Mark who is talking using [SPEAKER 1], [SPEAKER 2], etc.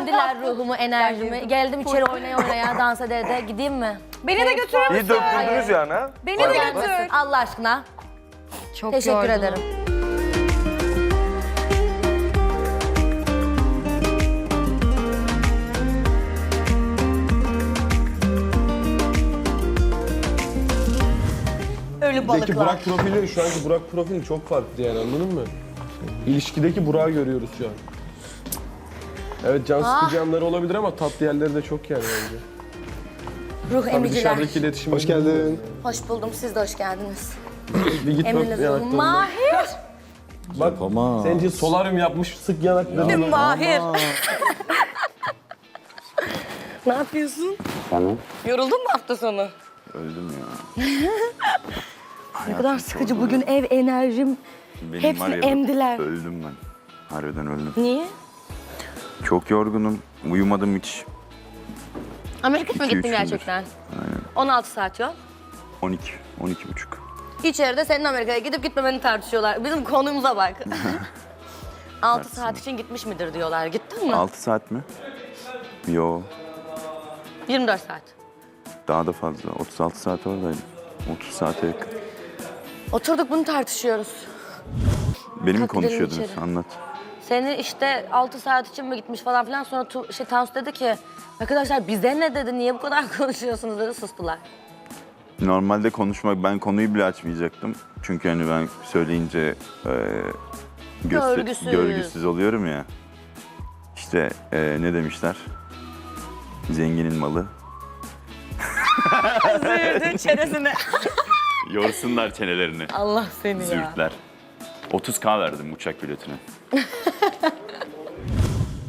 [SPEAKER 1] Emdiler ruhumu, enerjimi. Geldim içeri oynaya oynaya, dans ede ede. Gideyim mi?
[SPEAKER 2] Beni de götürür müsün?
[SPEAKER 3] İyi döktürdünüz yani ha?
[SPEAKER 2] Beni de götür.
[SPEAKER 1] Allah aşkına.
[SPEAKER 4] Çok
[SPEAKER 1] Teşekkür
[SPEAKER 4] yorgunum.
[SPEAKER 1] ederim.
[SPEAKER 2] Ölü
[SPEAKER 5] Peki
[SPEAKER 2] balıklar.
[SPEAKER 5] Burak profili, şu anki Burak profili çok farklı yani, anladın mı? İlişkideki Burak'ı görüyoruz şu an. Evet, can sıkıcı yanları olabilir ama tatlı yerleri de çok yani bence.
[SPEAKER 1] Ruh
[SPEAKER 5] Tabii
[SPEAKER 1] emiciler.
[SPEAKER 5] dışarıdaki iletişim... Hoş geldin.
[SPEAKER 1] Hoş buldum, siz de hoş geldiniz.
[SPEAKER 5] Bir git bak
[SPEAKER 1] Emriniz ruhum.
[SPEAKER 5] yanaklarına.
[SPEAKER 1] Mahir.
[SPEAKER 5] Bak, senin için solaryum yapmış, sık yanaklarını.
[SPEAKER 1] Mahir. Ne yapıyorsun? Yoruldun mu hafta sonu?
[SPEAKER 3] Öldüm ya.
[SPEAKER 1] Ne kadar sıkıcı bugün ev enerjim.
[SPEAKER 3] Benim
[SPEAKER 1] Hepsini
[SPEAKER 3] var ya,
[SPEAKER 1] emdiler.
[SPEAKER 3] Öldüm ben. Harbiden öldüm.
[SPEAKER 1] Niye?
[SPEAKER 3] Çok yorgunum. Uyumadım hiç.
[SPEAKER 1] Amerika'ya mı
[SPEAKER 3] 2-3
[SPEAKER 1] gittin
[SPEAKER 3] gündür.
[SPEAKER 1] gerçekten?
[SPEAKER 3] Aynen.
[SPEAKER 1] 16 saat yol.
[SPEAKER 3] 12, 12,5.
[SPEAKER 1] İçeride senin Amerika'ya gidip gitmemeni tartışıyorlar. Bizim konumuza bak. 6 saat için gitmiş midir diyorlar. Gittin mi?
[SPEAKER 3] 6 saat mi? Yo,
[SPEAKER 1] 24 saat.
[SPEAKER 3] daha da fazla. 36 saat oradaydım. 30 saate yakın.
[SPEAKER 1] Oturduk bunu tartışıyoruz.
[SPEAKER 3] Beni mi
[SPEAKER 1] Kalk gidelim
[SPEAKER 3] konuşuyordunuz?
[SPEAKER 1] içeri.
[SPEAKER 3] Anlat.
[SPEAKER 1] Seni işte 6 saat için mi gitmiş falan filan. Sonra Tansu dedi ki arkadaşlar bize ne dedi, niye bu kadar konuşuyorsunuz dedi, sustular.
[SPEAKER 3] Normalde konuşmak, ben konuyu bile açmayacaktım. Çünkü hani ben söyleyince
[SPEAKER 1] Görgüsüz.
[SPEAKER 3] görgüsüz oluyorum ya. İşte ne demişler? Zenginin malı.
[SPEAKER 1] Zürdün çenesine.
[SPEAKER 3] Yorsunlar çenelerini.
[SPEAKER 1] Allah seni ya.
[SPEAKER 3] Zürtler. 30K verdim uçak biletine.